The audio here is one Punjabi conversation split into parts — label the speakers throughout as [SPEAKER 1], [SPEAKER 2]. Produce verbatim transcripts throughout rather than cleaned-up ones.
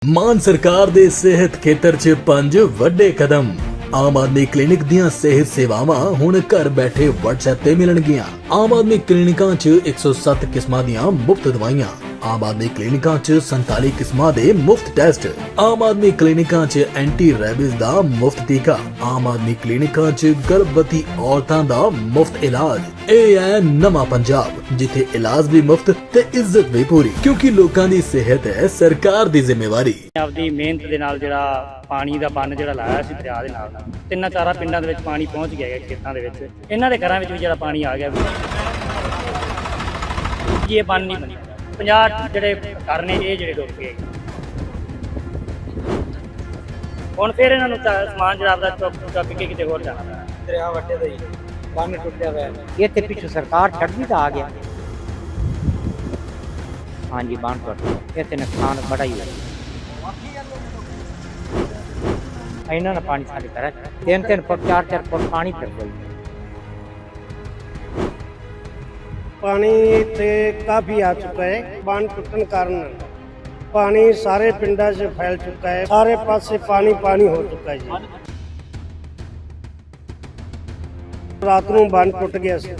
[SPEAKER 1] ਮਾਨ ਸਰਕਾਰ ਦੇ ਸਿਹਤ ਖੇਤਰ 'ਚ ਪੰਜ ਵੱਡੇ ਕਦਮ। ਆਮ ਆਦਮੀ ਕਲੀਨਿਕ ਦੀਆਂ ਸਿਹਤ ਸੇਵਾਵਾਂ ਹੁਣ ਘਰ ਬੈਠੇ WhatsApp ਤੇ ਮਿਲਣਗੀਆਂ। ਆਮ ਆਦਮੀ ਕਲੀਨਿਕਾਂ 'ਚ ਇੱਕ ਸੌ ਸੱਤ ਕਿਸਮਾਂ ਦੀਆਂ ਮੁਫਤ ਦਵਾਈਆਂ। ਆਮ ਆਦਮੀ ਕਲੀਨਿਕਾਂ 'ਚ ਸੰਤਾਲੀ ਕਿਸਮਾਂ ਦੇ ਮੁਫਤ ਟੈਸਟ। ਆਮ ਆਦਮੀ ਕਲੀਨਿਕਾਂ 'ਚ ਐਂਟੀ ਰੈਬਿਸ ਦਾ ਮੁਫਤ ਟੀਕਾ। ਆਮ ਆਦਮੀ ਕਲੀਨਿਕਾਂ 'ਚ ਗਰਭਵਤੀ ਔਰਤਾਂ ਦਾ ਮੁਫਤ ਇਲਾਜ। ਇਹ ਹੈ ਨਵਾਂ ਪੰਜਾਬ, ਜਿੱਥੇ ਇਲਾਜ ਵੀ ਮੁਫਤ ਤੇ ਇੱਜ਼ਤ ਵੀ ਪੂਰੀ, ਕਿਉਂਕਿ ਲੋਕਾਂ ਦੀ ਸਿਹਤ ਹੈ ਸਰਕਾਰ ਦੀ ਜ਼ਿੰਮੇਵਾਰੀ।
[SPEAKER 2] ਆਪਦੀ ਮਿਹਨਤ ਦੇ ਨਾਲ ਜਿਹੜਾ ਪਾਣੀ ਦਾ ਬੰਨ ਜਿਹੜਾ ਲਾਇਆ ਸੀ ਦਰਿਆ ਦੇ ਨਾਲ ਨਾਲ ਤਿੰਨਾਂ ਚਾਰਾਂ ਪਿੰਡਾਂ ਦੇ ਵਿੱਚ ਪਾਣੀ ਪਹੁੰਚ ਗਿਆ ਹੈ, ਖੇਤਾਂ ਦੇ ਵਿੱਚ। ਇਹਨਾਂ ਦੇ ਘਰਾਂ ਵਿੱਚ ਵੀ ਜਿਹੜਾ ਪਾਣੀ ਆ ਗਿਆ ਜੀ, ਇਹ ਬੰਨ ਨਹੀਂ ਬਣੀ। ਪੰਜਾਹ ਜਿਹੜੇ ਘਰ ਨੇ ਇਹ ਜਿਹੜੇ ਡੁੱਬ ਗਏ। ਹੁਣ ਫਿਰ ਇਹਨਾਂ ਨੂੰ ਸਮਾਨ ਜਿਹੜਾ ਆਪਦਾ ਚੁੱਕ ਚੁੱਕ ਕੇ ਕਿਤੇ ਹੋਰ ਜਾਣਾ ਪੈਣਾ।
[SPEAKER 3] ਦਰਿਆ ਵੱਟੇ ਦਾ ਹੀ ਬੰਨ ਟੁੱਟਿਆ ਹੋਇਆ। ਇਹ ਤੇ ਪਿੱਛੋਂ ਸਰਕਾਰ ਛੱਡਦੀ ਤਾਂ ਆ ਗਿਆ। ਹਾਂਜੀ ਬੰਨ ਟੁੱਟ ਗਿਆ, ਇਹ ਤੇ ਨੁਕਸਾਨ ਬੜਾ ਹੀ ਹੋਇਆ। ਇਹਨਾਂ ਨੇ ਪਾਣੀ ਸਾਡੇ ਘਰਾਂ ਚ ਤਿੰਨ ਤਿੰਨ ਫੁੱਟ ਚਾਰ ਚਾਰ ਫੁੱਟ ਪਾਣੀ ਫਿਰ ਗਈ।
[SPEAKER 4] पानी इतने काफ़ी आ चुका है। बांध टूटने कारण पानी सारे पिंडा से फैल चुका है। सारे पास से पानी पानी हो चुका है जी। रात को बांध टूट गया से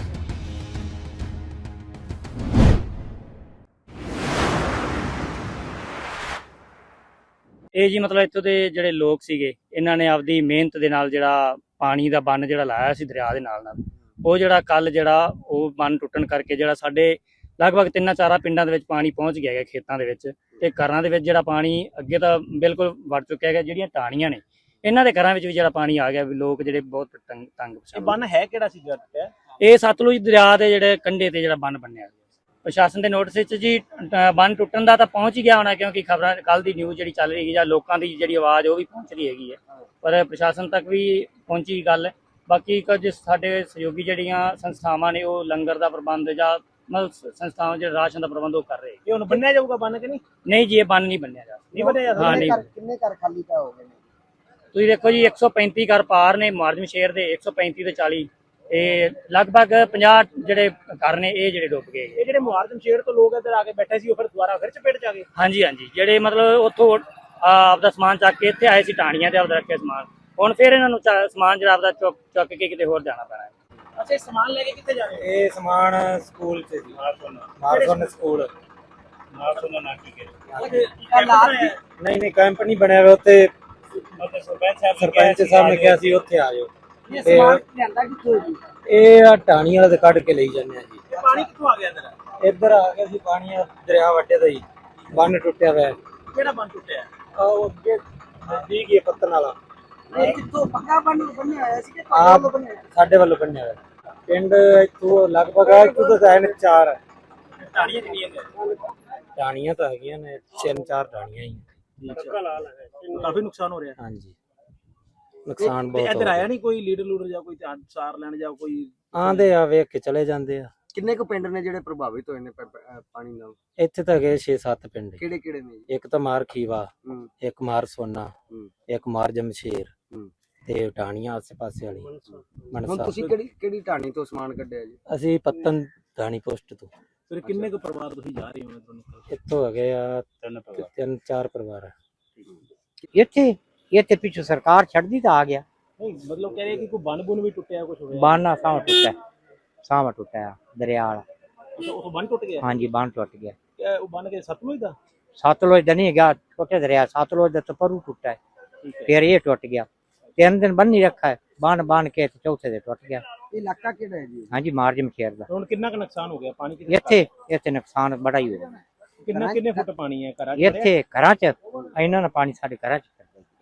[SPEAKER 2] ਇਹ ਜੀ ਮਤਲਬ ਇੱਥੋਂ ਦੇ ਜਿਹੜੇ ਲੋਕ ਸੀਗੇ, ਇਹਨਾਂ ਨੇ ਆਪਦੀ ਮਿਹਨਤ ਦੇ ਨਾਲ ਜਿਹੜਾ ਪਾਣੀ ਦਾ ਬੰਨ ਜਿਹੜਾ ਲਾਇਆ ਸੀ ਦਰਿਆ ਦੇ ਨਾਲ ਨਾਲ, ਉਹ ਜਿਹੜਾ ਕੱਲ ਜਿਹੜਾ ਉਹ ਬੰਨ ਟੁੱਟਣ ਕਰਕੇ ਜਿਹੜਾ ਸਾਡੇ ਲਗਭਗ ਤਿੰਨਾਂ ਚਾਰਾਂ ਪਿੰਡਾਂ ਦੇ ਵਿੱਚ ਪਾਣੀ ਪਹੁੰਚ ਗਿਆ ਹੈ, ਖੇਤਾਂ ਦੇ ਵਿੱਚ ਤੇ ਘਰਾਂ ਦੇ ਵਿੱਚ ਜਿਹੜਾ ਪਾਣੀ ਅੱਗੇ ਤਾਂ ਬਿਲਕੁਲ ਵੜ ਚੁੱਕਿਆ ਹੈਗਾ। ਜਿਹੜੀਆਂ ਟਾਹਣੀਆਂ ਨੇ ਇਹਨਾਂ ਦੇ ਘਰਾਂ ਵਿੱਚ ਵੀ ਜਿਹੜਾ ਪਾਣੀ ਆ ਗਿਆ, ਵੀ ਲੋਕ ਜਿਹੜੇ ਬਹੁਤ ਤੰਗ ਤੰਗ ਪਰੇਸ਼ਾਨ।
[SPEAKER 3] ਬੰਨ ਹੈ ਕਿਹੜਾ ਸੀ ਜੱਟ?
[SPEAKER 2] ਇਹ ਸਤਲੁਜ ਦਰਿਆ ਦੇ ਜਿਹੜੇ ਕੰਢੇ ਤੇ ਜਿਹੜਾ ਬੰਨ ਬਣਿਆ ਗਿਆ। ਪ੍ਰਸ਼ਾਸਨ ਦੇ ਨੋਟਿਸ ਵਿੱਚ ਜੀ ਬੰਨ ਟੁੱਟਣ ਦਾ ਤਾਂ ਪਹੁੰਚ ਹੀ ਗਿਆ ਹੋਣਾ, ਕਿਉਂਕਿ ਖਬਰਾਂ ਕੱਲ ਦੀ ਨਿਊਜ਼ ਜਿਹੜੀ ਚੱਲ ਰਹੀ ਹੈ ਜਾਂ ਲੋਕਾਂ ਦੀ ਜਿਹੜੀ ਆਵਾਜ਼ ਉਹ ਵੀ ਪਹੁੰਚ ਰਹੀ ਹੈਗੀ ਹੈ, ਪਰ ਪ੍ਰਸ਼ਾਸਨ ਤੱਕ ਵੀ ਪਹੁੰਚੀ ਗੱਲ। ਬਾਕੀ ਕੁਝ ਸਾਡੇ ਸਹਿਯੋਗੀ ਜਿਹੜੀਆਂ ਸੰਸਥਾਵਾਂ ਨੇ ਉਹ ਲੰਗਰ ਦਾ ਪ੍ਰਬੰਧ ਜਾਂ ਮਤਲਬ ਸੰਸਥਾਵਾਂ ਜਿਹੜੇ ਰਾਸ਼ਨ ਦਾ ਪ੍ਰਬੰਧ ਉਹ ਕਰ ਰਹੇ।
[SPEAKER 3] ਇਹ ਹੁਣ ਬੰਨਿਆ ਜਾਊਗਾ ਬੰਨ ਕਿ ਨਹੀਂ?
[SPEAKER 2] ਨਹੀਂ ਜੀ, ਇਹ ਬੰਨ ਨਹੀਂ ਬੰਨਿਆ ਜਾ
[SPEAKER 3] ਨਹੀਂ ਬੰਨਿਆ
[SPEAKER 2] ਹਾਂ ਨਹੀਂ।
[SPEAKER 4] कितने घर खाली का हो गए?
[SPEAKER 2] ਤੁਸੀਂ ਦੇਖੋ ਜੀ, ਇੱਕ ਸੌ ਪੈਂਤੀ ਘਰ ਪਾਰ ਨੇ ਮੁਆਜ਼ਮ ਸ਼ੇਰ ਦੇ, ਇੱਕ ਸੌ ਪੈਂਤੀ ਤੇ ਚਾਲੀ ਇਹ ਲਗਭਗ ਪੰਜਾਹ ਜਿਹੜੇ ਘਰ ਨੇ ਇਹ ਜਿਹੜੇ ਡੁੱਬ ਗਏ।
[SPEAKER 3] ਇਹ ਜਿਹੜੇ ਮੁਹਾਰਜਮ ਸ਼ੇਰ ਤੋਂ ਲੋਕ ਇੱਧਰ ਆ ਕੇ ਬੈਠੇ ਸੀ, ਉਹ ਫਿਰ ਦੁਬਾਰਾ ਫਿਰ ਚਪੇਟ ਚ ਆ ਗਏ।
[SPEAKER 2] ਹਾਂਜੀ ਹਾਂਜੀ, ਜਿਹੜੇ ਮਤਲਬ ਉੱਥੋਂ ਆਪਦਾ ਸਮਾਨ ਚੱਕ ਕੇ ਇੱਥੇ ਆਏ ਸੀ ਟਾਹਣੀਆਂ ਤੇ ਆਪਦਾ ਰੱਖਿਆ ਸਮਾਨ, ਹੁਣ ਫਿਰ ਇਹਨਾਂ ਨੂੰ ਸਮਾਨ ਜਿਹੜਾ ਆਪਦਾ ਚੁੱਕ ਚੁੱਕ ਕੇ ਕਿਤੇ ਹੋਰ ਜਾਣਾ ਪੈਣਾ।
[SPEAKER 3] ਅੱਛਾ, ਸਮਾਨ ਲੈ ਕੇ ਕਿੱਥੇ ਜਾ ਰਹੇ? ਇਹ ਸਮਾਨ ਸਕੂਲ ਚ ਸੀ। ਮਾਰਸੋਨ ਸਕੂਲ ਮਾਰਸੋਨ ਨਾ ਕੀ ਨਹੀਂ ਨਹੀਂ ਕੈਂਪ ਨਹੀਂ ਬਣਿਆ ਹੋਇਆ ਉੱਥੇ। ਸਰਪੰਚ ਸਾਹਿਬ ਨੇ ਕਿਹਾ ਸੀ ਉੱਥੇ ਆ ਜਾਓ।
[SPEAKER 4] ये सामान लियांदा कित्थों जी?
[SPEAKER 3] ਇਹ ਆ ਟਾਣੀ ਵਾਲਾ ਤੇ ਕੱਢ ਕੇ ਲਈ ਜਾਂਦੇ ਆ ਜੀ।
[SPEAKER 4] पानी कित्थों आ गया इधर?
[SPEAKER 3] ਇੱਧਰ ਆ ਗਿਆ ਸੀ ਪਾਣੀ, ਦਰਿਆ ਵੱਟੇ ਦਾ ਹੀ ਬੰਨ ਟੁੱਟਿਆ ਹੋਇਆ।
[SPEAKER 4] केड़ा बंद टूटिया?
[SPEAKER 3] ਆ ਉਹ ਅੱਗੇ ਨਜ਼ਦੀਕ ਹੀ ਪੱਤਨ ਵਾਲਾ।
[SPEAKER 4] ये कित्थों पक्का बंद बनया होया सी कि
[SPEAKER 3] ਆ
[SPEAKER 4] पानी बनया?
[SPEAKER 3] ਸਾਡੇ ਵੱਲੋਂ ਬੰਨਿਆ ਹੋਇਆ। ਪਿੰਡ ਇੱਥੋਂ ਲਗਭਗ ਆ ਇੱਥੋਂ ਤਾਂ ਹੈ ਚਾਰ
[SPEAKER 4] टाणियां कितनी है?
[SPEAKER 3] ਟਾਣੀਆਂ ਤਾਂ ਹੈਗੀਆਂ ਨੇ, ਤਿੰਨ ਚਾਰ ਟਾਣੀਆਂ ਹੀ।
[SPEAKER 4] काफी नुकसान हो रहा है।
[SPEAKER 3] ਹਾਂਜੀ, ਨੁਕਸਾਨ ਬਹੁਤ
[SPEAKER 5] ਇੱਧਰ
[SPEAKER 3] ਹੋ
[SPEAKER 5] ਆਇਆ ਨਹੀਂ ਕੋਈ ਲੀਡਰ ਲੂਡਰ ਜਾਂ ਕੋਈ ਧਿਆਨ ਸਾਰ ਲੈਣ ਜਾਂ ਕੋਈ?
[SPEAKER 3] ਆਂਦੇ ਆ, ਵੇਖ ਕੇ ਚਲੇ ਜਾਂਦੇ ਆ।
[SPEAKER 4] ਕਿੰਨੇ ਕੁ ਪਿੰਡ ਨੇ ਜਿਹੜੇ ਪ੍ਰਭਾਵਿਤ ਹੋਏ ਨੇ ਪ- ਪ- ਅਹ ਪਾਣੀ ਨਾਲ?
[SPEAKER 3] ਇੱਥੇ ਤਾਂ ਗਏ ਛੇ ਸੱਤ ਪਿੰਡ।
[SPEAKER 4] ਕਿਹੜੇ ਕਿਹੜੇ ਨੇ ਜੀ?
[SPEAKER 3] ਇੱਕ ਤਾਂ ਮਾਰ ਖੀਵਾ,
[SPEAKER 4] ਹੂੰ
[SPEAKER 3] ਇੱਕ ਮਾਰ ਸੋਨਾ,
[SPEAKER 4] ਹੂੰ
[SPEAKER 3] ਇੱਕ ਮਾਰ ਜਮਸ਼ੇਰ
[SPEAKER 4] ਹੂੰ।
[SPEAKER 3] ਤੇ ਟਾਣੀਆਂ ਆਸੇ ਪਾਸੇ ਵਾਲੀ
[SPEAKER 4] ਹੁਣ
[SPEAKER 3] ਮਨਸਾ।
[SPEAKER 4] ਤੁਸੀਂ ਕਿਹੜੀ ਕਿਹੜੀ ਢਾਣੀ ਤੋਂ ਸਮਾਨ ਕੱਢਿਆ ਜੀ?
[SPEAKER 3] ਅਸੀਂ ਪੱਤਨ ਢਾਣੀ ਪੋਸਟ ਤੋਂ।
[SPEAKER 5] ਫਿਰ ਕਿੰਨੇ ਕੁ ਪਰਿਵਾਰ ਤੁਸੀਂ ਜਾ ਰਹੇ ਹੋ ਇੱਧਰੋਂ ਨਿਕਲ ਕੇ?
[SPEAKER 3] ਇੱਥੋਂ ਹੈਗੇ ਆ ਤਿੰਨ ਚਾਰ ਪਰਿਵਾਰ।
[SPEAKER 6] ਇੱਥੇ ਇੱਥੇ ਪਿੱਛੋਂ ਸਰਕਾਰ ਛੱਡਦੀ ਤਾਂ ਆ ਗਿਆ।
[SPEAKER 5] ਨਹੀਂ ਮਤਲਬ ਕਹਿ ਰਹੇ ਕਿ ਕੋਈ ਬੰਨ ਬੁਨ ਵੀ ਟੁੱਟਿਆ ਕੁਝ ਹੋਇਆ?
[SPEAKER 6] ਬਾਨਾ ਸਾਹ ਟੁੱਟਾ, ਸਾਹ ਟੁੱਟਾ ਦਰਿਆ ਵਾਲਾ।
[SPEAKER 5] ਅੱਛਾ, ਉਹ ਬੰਨ ਟੁੱਟ ਗਿਆ?
[SPEAKER 6] ਹਾਂਜੀ ਬੰਨ ਟੁੱਟ ਗਿਆ।
[SPEAKER 5] ਇਹ ਉਹ ਬੰਨ ਕੇ ਸਤਲੁਜ ਦਾ?
[SPEAKER 6] ਸਤਲੁਜ ਦਾ ਨਹੀਂ ਗਿਆ, ਛੋਟੇ ਦਰਿਆ ਸਤਲੁਜ ਦਾ ਤਾਂ ਪਰੂ ਟੁੱਟਾ ਹੈ, ਫਿਰ ਇਹ ਟੁੱਟ ਗਿਆ। ਤਿੰਨ ਦਿਨ ਬੰਨ ਨਹੀਂ ਰੱਖਾ ਹੈ, ਬੰਨ ਬੰਨ ਕੇ ਤੇ ਚੌਥੇ ਦੇ ਟੁੱਟ ਗਿਆ।
[SPEAKER 4] ਇਹ ਇਲਾਕਾ ਕਿਹੜਾ ਹੈ ਜੀ?
[SPEAKER 6] ਹਾਂਜੀ ਮਾਰਜਮ ਸ਼ੇਰ ਦਾ।
[SPEAKER 5] ਹੁਣ ਕਿੰਨਾ ਕੁ ਨੁਕਸਾਨ ਹੋ ਗਿਆ? ਪਾਣੀ ਕਿੰਨਾ
[SPEAKER 6] ਇੱਥੇ ਇੱਥੇ ਨੁਕਸਾਨ ਬੜਾ ਹੀ ਹੋਇਆ।
[SPEAKER 5] ਕਿੰਨਾ ਕਿੰਨੇ ਫੁੱਟ ਪਾਣੀ ਹੈ ਘਰਾਂ 'ਚ?
[SPEAKER 6] ਇੱਥੇ ਘਰਾਂ ਚ ਇਹਨਾਂ ਨੇ ਪਾਣੀ ਸਾਡੇ ਘਰਾਂ ਚ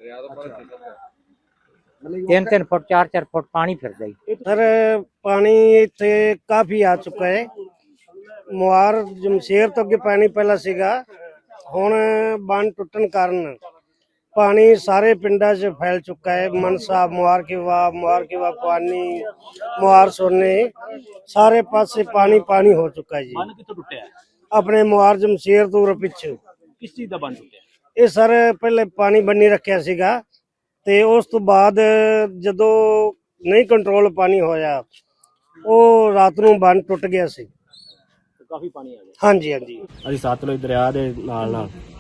[SPEAKER 6] ਤਿੰਨ ਤਿੰਨ ਫੁੱਟ ਚਾਰ ਚਾਰ ਫੁੱਟ ਪਾਣੀ ਫਿਰਦਾ ਹੀ।
[SPEAKER 4] ਸਰ ਪਾਣੀ ਇੱਥੇ ਕਾਫੀ ਆ ਚੁੱਕਾ ਹੈ। ਮੁਹਾਰ ਜਮਸ਼ੇਰ ਤੋਂ ਅੱਗੇ ਪਾਣੀ ਪਹਿਲਾਂ ਸੀਗਾ, ਹੁਣ ਬੰਨ ਟੁੱਟਣ ਕਾਰਨ ਪਾਣੀ ਸਾਰੇ ਪਿੰਡਾਂ 'ਚ ਫੈਲ ਚੁੱਕਾ ਹੈ। ਮਨਸਾ, ਮੁਹਾਰ ਕੇ ਵਾ ਮੁਹਾਰ ਕੇ ਵਾ ਪਾਣੀ, ਮੁਹਾਰ ਸੋਨੇ, ਸਾਰੇ ਪਾਸੇ ਪਾਣੀ ਪਾਣੀ ਹੋ ਚੁੱਕਾ ਹੈ ਜੀ।
[SPEAKER 5] ਬੰਨ ਕਿੱਥੋਂ ਟੁੱਟਿਆ?
[SPEAKER 4] ਆਪਣੇ ਮੁਹਾਰ ਜਮਸ਼ੇਰ ਤੋਂ ਉਰੇ ਪਿੱਛੇ
[SPEAKER 5] ਕਿਸ ਚੀਜ਼ ਦਾ ਬੰਨ ਟੁੱਟਿਆ?
[SPEAKER 4] ਇਹ ਸਰ ਪਹਿਲੇ ਪਾਣੀ ਬੰਨੀ ਰੱਖਿਆ ਸੀਗਾ, ਤੇ ਉਸ ਤੋਂ ਬਾਅਦ ਜਦੋਂ ਨਹੀਂ ਕੰਟਰੋਲ ਪਾਣੀ ਹੋਇਆ, ਉਹ ਰਾਤ ਨੂੰ ਬੰਨ ਟੁੱਟ ਗਿਆ ਸੀ।
[SPEAKER 5] ਕਾਫੀ ਪਾਣੀ ਆ ਗਿਆ।
[SPEAKER 4] ਹਾਂਜੀ ਹਾਂਜੀ।
[SPEAKER 2] ਅਸੀਂ ਸਤਲੁਜ ਦਰਿਆ ਦੇ ਨਾਲ ਨਾਲ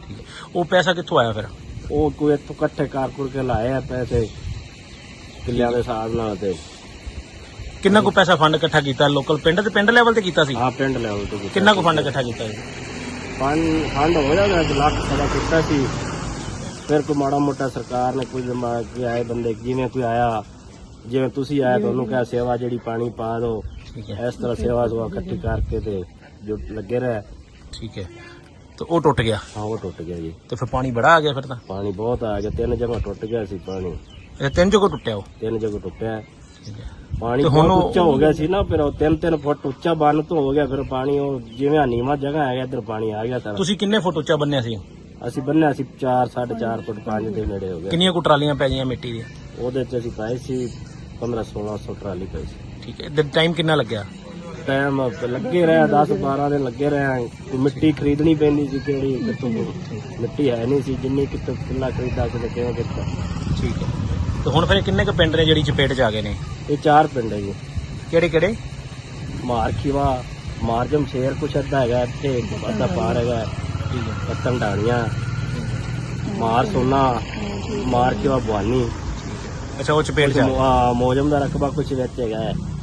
[SPEAKER 5] ਉਹ ਪੈਸਾ ਕਿੱਥੋਂ ਆਇਆ ਫਿਰ?
[SPEAKER 7] ਉਹ ਕੋਈ ਇੱਥੋਂ ਇਕੱਠੇ ਕਰ ਕੁਰ ਕੇ ਲਾਏ ਆ ਪੈਸੇ ਕਿੱਲਿਆਂ ਦੇ ਹਿਸਾਬ ਨਾਲ ਤੇ
[SPEAKER 5] ਕਿੰਨਾ ਕੁ ਪੈਸਾ ਫੰਡ ਇਕੱਠਾ ਕੀਤਾ ਲੋਕਲ ਪਿੰਡ ਤੇ ਪਿੰਡ ਲੈਵਲ ਤੇ ਕੀਤਾ ਸੀ?
[SPEAKER 7] ਆ ਪਿੰਡ ਲੈਵਲ ਤੇ ਕੀਤਾ।
[SPEAKER 5] ਕਿੰਨਾ ਕੁ ਫੰਡ ਇਕੱਠਾ ਕੀਤਾ ਜੀ?
[SPEAKER 7] ਫੰਡ ਫੰਡ ਹੋ ਜਾਂਦਾ ਲੱਖ ਸਵਾ ਕੀਤਾ ਸੀ। ਫਿਰ ਕੋਈ ਮਾੜਾ ਮੋਟਾ ਸਰਕਾਰ ਨੇ ਕੋਈ ਦਿਮਾਗ ਕੇ ਆਏ ਬੰਦੇ ਜਿਵੇਂ ਕੋਈ ਆਇਆ ਜਿਵੇਂ ਤੁਸੀਂ ਆਇਆ ਤੁਹਾਨੂੰ ਕਿਹਾ ਸੇਵਾ ਜਿਹੜੀ ਪਾਣੀ ਪਾ ਦਿਓ
[SPEAKER 5] ਠੀਕ ਹੈ
[SPEAKER 7] ਇਸ ਤਰ੍ਹਾਂ ਸੇਵਾ ਸੁਆ ਇਕੱਠੀ ਕਰਕੇ ਤੇ ਜੋ ਲੱਗੇ ਰਹੇ।
[SPEAKER 5] ਠੀਕ ਹੈ ਤੇ ਉਹ ਟੁੱਟ ਗਿਆ
[SPEAKER 7] ਹਾਂ ਉਹ ਟੁੱਟ ਗਿਆ ਜੀ।
[SPEAKER 5] ਤੇ ਫਿਰ ਪਾਣੀ ਬੜਾ ਆ ਗਿਆ ਫਿਰ ਤਾਂ?
[SPEAKER 7] ਪਾਣੀ ਬਹੁਤ ਆ ਗਿਆ, ਤਿੰਨ ਜਗ੍ਹਾ ਟੁੱਟ ਗਿਆ ਸੀ ਪਾਣੀ,
[SPEAKER 5] ਇਹ ਤਿੰਨ ਜਗ੍ਹਾ ਟੁੱਟਿਆ ਉਹ?
[SPEAKER 7] ਤਿੰਨ ਜਗ੍ਹਾ ਟੁੱਟਿਆ
[SPEAKER 5] ਠੀਕ ਹੈ
[SPEAKER 7] ਪਾਣੀ।
[SPEAKER 5] ਤੇ ਹੁਣ
[SPEAKER 7] ਬਹੁਤ
[SPEAKER 5] ਉਹ-
[SPEAKER 7] ਉੱਚਾ ਹੋ ਗਿਆ ਸੀ ਨਾ, ਫਿਰ ਉਹ ਤਿੰਨ ਤਿੰਨ ਫੁੱਟ ਉੱਚਾ ਬੰਨ ਤੋਂ ਹੋ ਗਿਆ, ਫਿਰ ਪਾਣੀ ਉਹ ਜਿਵੇਂ ਨੀਵਾਂ ਜਗ੍ਹਾ ਹੈਗਾ ਇੱਧਰ ਪਾਣੀ ਆ ਗਿਆ ਸਾਰਾ।
[SPEAKER 5] ਤੁਸੀਂ ਕਿੰਨੇ ਫੁੱਟ ਉੱਚਾ ਬੰਨਿਆ ਸੀ?
[SPEAKER 7] ਅਸੀਂ ਬੰਨਿਆ ਸੀ ਚਾਰ ਸਾਢੇ ਚਾਰ ਫੁੱਟ ਪੰਜ ਦੇ ਨੇੜੇ ਹੋ ਗਿਆ।
[SPEAKER 5] ਕਿੰਨੀਆਂ ਕੁ ਟਰਾਲੀਆਂ ਪੈ ਗਈਆਂ ਮਿੱਟੀ ਦੀਆਂ?
[SPEAKER 7] ਉਹਦੇ ਚ ਅਸੀਂ ਪਾਏ ਸੀ ਪੰਦਰਾਂ ਸੋਲਾਂ ਸੌ ਟਰਾਲੀ ਪਈ ਸੀ।
[SPEAKER 5] ਠੀਕ ਹੈ ਤੇ ਟਾਈਮ ਕਿੰਨਾ ਲੱਗਿਆ?
[SPEAKER 7] ਟਾਈਮ ਲੱਗੇ ਰਿਹਾ ਦਸ ਬਾਰਾਂ ਦਿਨ ਲੱਗੇ ਰਹੇ। ਕੋਈ ਮਿੱਟੀ ਖਰੀਦਣੀ ਪੈਂਦੀ ਸੀ ਕਿਹੜੀ ਕਿੱਥੋਂ ਮਿੱਟੀ ਹੈ ਨਹੀਂ ਸੀ, ਜਿੰਨੀ ਕਿੱਥੋਂ ਕਿੱਲਾ ਖਰੀਦਾ ਕਿਤੇ ਕਿਵੇਂ ਕੀਤਾ।
[SPEAKER 5] ਠੀਕ ਹੈ ਤੇ ਹੁਣ ਫਿਰ ਕਿੰਨੇ ਕੁ ਪਿੰਡ ਨੇ ਜਿਹੜੀ ਚਪੇਟ ਚ ਆ ਗਏ ਨੇ?
[SPEAKER 7] ਇਹ ਚਾਰ ਪਿੰਡ ਹੈ ਜੀ,
[SPEAKER 5] ਕਿਹੜੇ ਕਿਹੜੇ?
[SPEAKER 7] ਮਾਰਖੀਵਾ ਮਾਰਜਮ ਸ਼ੇਰ ਕੁਛ ਅੱਧਾ ਹੈਗਾ ਇੱਥੇ, ਇੱਕ ਅੱਧਾ ਪਾਰ ਹੈਗਾ
[SPEAKER 5] ਠੀਕ ਹੈ
[SPEAKER 7] ਪੱਤਨ ਢਾਣੀਆਂ ਮਾਰ ਸੋਨਾ ਮਾਰਖੀਵਾ ਬਵਾਨੀ
[SPEAKER 5] ਅੱਛਾ ਉਹ ਚਪੇਟ ਚ ਆ ਗਏ।
[SPEAKER 7] ਮੋਜਮ ਦਾ ਰਕਬਾ ਕੁਛ ਵਿੱਚ ਹੈਗਾ ਹੈ।